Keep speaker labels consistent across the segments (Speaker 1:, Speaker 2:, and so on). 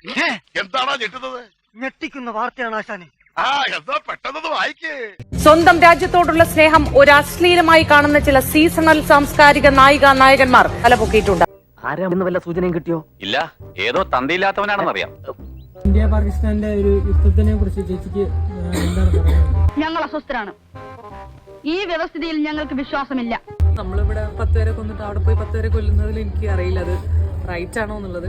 Speaker 1: എന്താണോ ഞെട്ടുന്നത്?
Speaker 2: ഞെട്ടിക്കുന്ന വാർത്തയാണ് ആശാനെ.
Speaker 1: എന്താ പെട്ടെന്ന് വായിക്കേ.
Speaker 3: സ്വന്തം രാജ്യത്തോടുള്ള സ്നേഹം ഒരു അശ്ലീലമായി കാണുന്ന ചില സീസണൽ സാംസ്കാരിക നായകന്മാർ തലപൊക്കിയിട്ടുണ്ട്.
Speaker 4: ആരാന്ന് വല്ല സൂചനയും കിട്ടിയോ?
Speaker 5: ഇല്ല, ഏതോ തന്തയില്ലാത്തവനാണെന്നറിയാം.
Speaker 6: ഇന്ത്യ പാകിസ്ഥാന്റെ ഒരു യുദ്ധത്തിനെ കുറിച്ച് ചേച്ചിക്ക് എന്താണ് പറയുന്നത്?
Speaker 7: ഞങ്ങൾ അസ്വസ്ഥരാണ്. ഈ വ്യവസ്ഥിതിയിൽ ഞങ്ങൾക്ക് വിശ്വാസമില്ല.
Speaker 6: നമ്മളിവിടെ 10 പേരെ കൊന്നിട്ട് അവിടെ പോയി 10 പേരെ കൊല്ലുന്നതിൽ എനിക്ക് അറിയില്ല അത് റൈറ്റ് ആണോ എന്നുള്ളത്.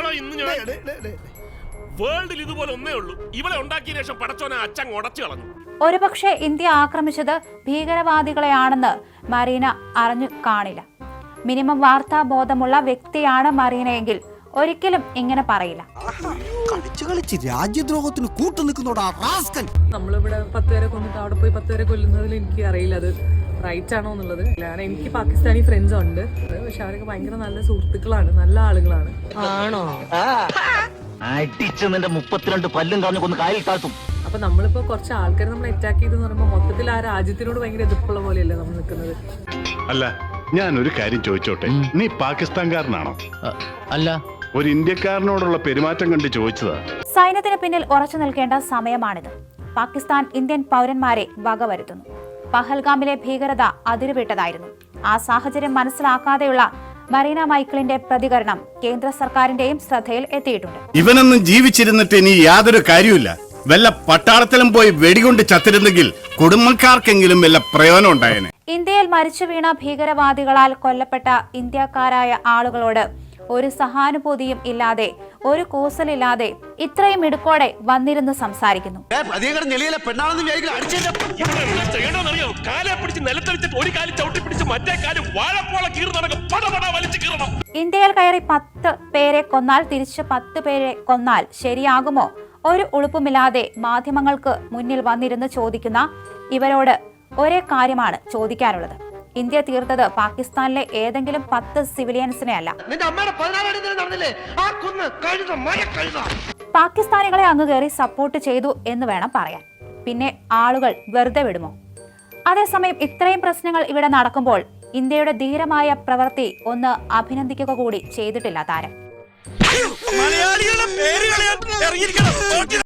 Speaker 8: വേൾഡിൽ ഇതുപോലെ ഒന്നേ ഉള്ളൂ. ഇവളെ ഉണ്ടാക്കിയ ശേഷം പടച്ചോനെ അച്ഛൻ ഉടച്ചു കളഞ്ഞു.
Speaker 9: ഒരുപക്ഷെ ഇന്ത്യ ആക്രമിച്ചത് ഭീകരവാദികളെയാണെന്ന് മറീന അറിഞ്ഞു കാണില്ല. മിനിമം വാർത്താ ബോധമുള്ള വ്യക്തിയാണ് മറീനയെങ്കിൽ ഒരിക്കലും ഇങ്ങനെ പറയില്ല.
Speaker 2: രാജ്യദ്രോഹത്തിന് കൂട്ടുനിൽക്കുന്നോടാ.
Speaker 6: നമ്മളിവിടെ 10 പേരെ കൊന്നിട്ട് അവിടെ പോയി 10 പേരെ കൊല്ലുന്നതിൽ എനിക്ക് അറിയില്ല അത് റൈറ്റ് ആണോ എന്നുള്ളത്. എനിക്ക് പാകിസ്ഥാനി ഫ്രണ്ട്സ് ഉണ്ട്, പക്ഷെ അവരൊക്കെ ഭയങ്കര നല്ല സുഹൃത്തുക്കളാണ്, നല്ല ആളുകളാണ്. ആണോ?
Speaker 4: അടിച്ച് നിന്റെ 32 പല്ലും കളഞ്ഞു കൊന്ന് കാലിൽ താഴ്ത്തും.
Speaker 6: അപ്പൊ നമ്മളിപ്പോ കുറച്ച് ആൾക്കാരെ നമ്മൾ അറ്റാക്ക് ചെയ്തെന്ന് പറയുമ്പോൾ മൊത്തത്തിൽ ആ രാജ്യത്തിനോട് ഭയങ്കര എതിർപ്പുള്ള പോലെയല്ലേ നമ്മൾ നിൽക്കുന്നത്.
Speaker 10: അല്ല, ഞാൻ ഒരു കാര്യം ചോദിച്ചോട്ടെ, നീ പാകിസ്ഥാൻകാരനാണോ?
Speaker 4: അല്ല,
Speaker 10: ഒരു ഇന്ത്യക്കാരനോടുള്ള പെരുമാറ്റം കണ്ട് ചോദിച്ചതാ.
Speaker 9: സൈന്യത്തിന് പിന്നിൽ ഉറച്ചു നിൽക്കേണ്ട സമയമാണിത്. പാകിസ്ഥാൻ ഇന്ത്യൻ പൗരന്മാരെ വകവരുത്തുന്നു. പഹൽഗാമിലെ ഭീകരത അതിരുവിട്ടതായിരുന്നു. ആ സാഹചര്യം മനസ്സിലാക്കാതെയുള്ള മറീന മൈക്കിളിന്റെ പ്രതികരണം കേന്ദ്ര സർക്കാരിന്റെയും ശ്രദ്ധയിൽ എത്തിയിട്ടുണ്ട്.
Speaker 10: ഇവനൊന്നും ജീവിച്ചിരുന്നിട്ട് ഇനി യാതൊരു കാര്യമില്ല. വല്ല പട്ടാളത്തിലും പോയി വെടികൊണ്ട് ചത്തിരുന്നെങ്കിൽ കുടുംബക്കാർക്കെങ്കിലും വല്ല പ്രയോജനം ഉണ്ടായേനെ.
Speaker 9: ഇന്ത്യയിൽ മരിച്ചു വീണ ഭീകരവാദികളാൽ കൊല്ലപ്പെട്ട ഇന്ത്യക്കാരായ ആളുകളോട് ഒരു സഹാനുഭൂതിയും ഇല്ലാതെ, ഒരു കൂസലില്ലാതെ ഇത്രയും ഇടുക്കോടെ വന്നിരുന്ന് സംസാരിക്കുന്നു. ഇന്ത്യയിൽ കയറി 10 പേരെ കൊന്നാൽ തിരിച്ച് 10 പേരെ കൊന്നാൽ ശരിയാകുമോ? ഒരു ഉളുപ്പുമില്ലാതെ മാധ്യമങ്ങൾക്ക് മുന്നിൽ വന്നിരുന്ന് ചോദിക്കുന്ന ഇവരോട് ഒരേ കാര്യമാണ് ചോദിക്കാനുള്ളത്. ഇന്ത്യ തീർത്തത് പാകിസ്ഥാനിലെ ഏതെങ്കിലും 10 സിവിലിയൻസിനെ അല്ല. പാകിസ്ഥാനികളെ അങ്ങ് കയറി സപ്പോർട്ട് ചെയ്തു എന്ന് വേണം പറയാൻ. പിന്നെ ആളുകൾ വെറുതെ വിടുമോ? അതേസമയം ഇത്രയും പ്രശ്നങ്ങൾ ഇവിടെ നടക്കുമ്പോൾ ഇന്ത്യയുടെ ധീരമായ പ്രവൃത്തി ഒന്ന് അഭിനന്ദിക്കുക കൂടി ചെയ്തിട്ടില്ല താരം.